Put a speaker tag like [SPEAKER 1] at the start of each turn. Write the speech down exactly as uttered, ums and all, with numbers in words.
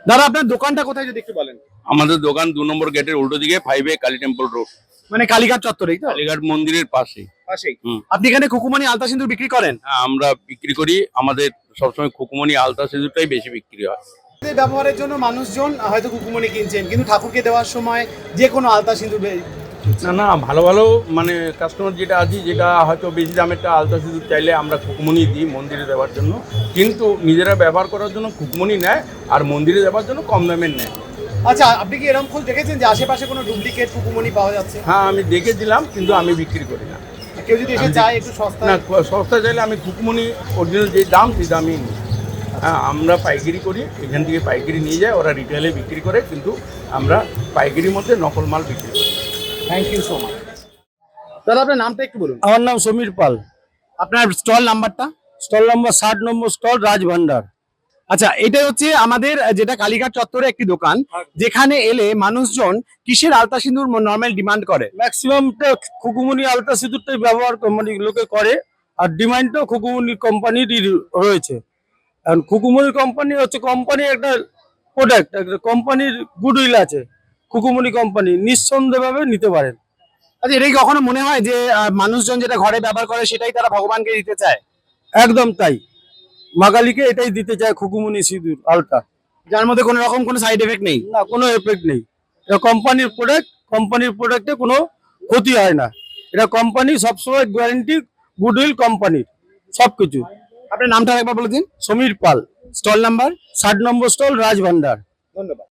[SPEAKER 1] দাদা আপনার দোকানটা কোথায় যদি একটু বলেন?
[SPEAKER 2] আমাদের দোকান দু নম্বর গেটের উল্টো দিকে five A Kali temple road,
[SPEAKER 1] মানে কালীঘাট চত্বরেই তো?
[SPEAKER 2] কালীঘাট মন্দিরের পাশে।
[SPEAKER 1] পাশেই।
[SPEAKER 2] হুম।
[SPEAKER 1] আপনি এখানে খুকুমনি আলতা সিঁদুর বিক্রি করেন?
[SPEAKER 2] হ্যাঁ, আমরা বিক্রি করি। আমাদের সবসময় খুকুমনি আলতা সিঁদুরটাই বেশি বিক্রি হয়।
[SPEAKER 1] নিজেদের ব্যবহারের জন্য মানুষজন হয়তো খুকুমনি কিনছেন, কিন্তু ঠাকুরকে দেওয়ার সময় যে কোনো আলতা সিঁদুর বে-
[SPEAKER 2] না না, ভালো ভালো মানে কাস্টমার যেটা আছে, যেটা হয়তো বেশি দামেরটা আলতা সিঁদুর চাইলে আমরা খুকুমনি দিই মন্দিরে দেওয়ার জন্য, কিন্তু নিজেরা ব্যবহার করার জন্য খুকুমনি নেয়, আর মন্দিরে দেওয়ার জন্য কম দামের নেয়।
[SPEAKER 1] আচ্ছা, আপনি কি এরকম খোঁজ দেখেছেন যে আশেপাশে কোনো ডুপ্লিকেট খুকুমনি পাওয়া যাচ্ছে?
[SPEAKER 2] হ্যাঁ, আমি দেখেছিলাম, কিন্তু আমি বিক্রি করি না।
[SPEAKER 1] কেউ যদি এসে
[SPEAKER 2] আমি
[SPEAKER 1] চায় একটু সস্তা?
[SPEAKER 2] না, সস্তা চাইলে আমি খুকুমনি অরিজিনাল যে দাম সেই দামই নিই। হ্যাঁ, আমরা পাইকারি করি, এখান থেকে পাইকারি নিয়ে যায়, ওরা রিটেলে বিক্রি করে, কিন্তু আমরা পাইকারির মধ্যে নকল মাল বিক্রি করি।
[SPEAKER 1] Thank you so much. দাদা আপনার নামটা একটু বলুন।
[SPEAKER 3] আমার নাম সমীর পাল।
[SPEAKER 1] আপনার স্টল নাম্বারটা?
[SPEAKER 3] স্টল নম্বর ষাট নম্বর স্টল রাজভান্ডার।
[SPEAKER 1] আচ্ছা, এটা হচ্ছে আমাদের আহ, যেটা কালীঘাট চত্বরে একটি দোকান, যেখানে এলে মানুষজন কিসের আলতা সিঁদুর নর্মাল ডিমান্ড করে?
[SPEAKER 3] ম্যাক্সিমামটা খুকুমনি আলতা সিঁদুরটাই ব্যবহার ক- মানে লোকে করে, আর ডিমান্ডটাও খুকুমনি কোম্পানিরই রয়েছে। কারণ খুকুমনি কোম্পানি হচ্ছে কোম্পানির একটা প্রোডাক্ট, একটা কোম্পানির গুডউইল আছে। খুকুমনি কোম্পানি নিঃসন্দেহভাবে নিতে পারেন।
[SPEAKER 1] আচ্ছা, এটাই কখনো মনে হয় যে আহ, মানুষজন যেটা ঘরে ব্যবহার করে সেটাই তারা ভগবানকে দিতে চায়?
[SPEAKER 3] একদম তাই, মাগালিকে এটাই দিতে চায় খুকুমনি সিঁদুর আলতা।
[SPEAKER 1] যার মধ্যে কোনো রকম কোনো সাইড এফেক্ট নেই?
[SPEAKER 3] না, কোনো এফেক্ট নেই। এটা কোম্পানির প্রোডাক্ট, কোম্পানির প্রোডাক্টে কোনো ক্ষতি হয় না। এটা কোম্পানি সবসময় গ্যারান্টি, গুডউইল কোম্পানির সবকিছু।
[SPEAKER 1] আপনার নামটা একবার বলে দিন।
[SPEAKER 3] Samir Pal,
[SPEAKER 1] stall number?
[SPEAKER 3] ষাট নম্বর স্টল রাজভান্ডার।
[SPEAKER 1] ধন্যবাদ।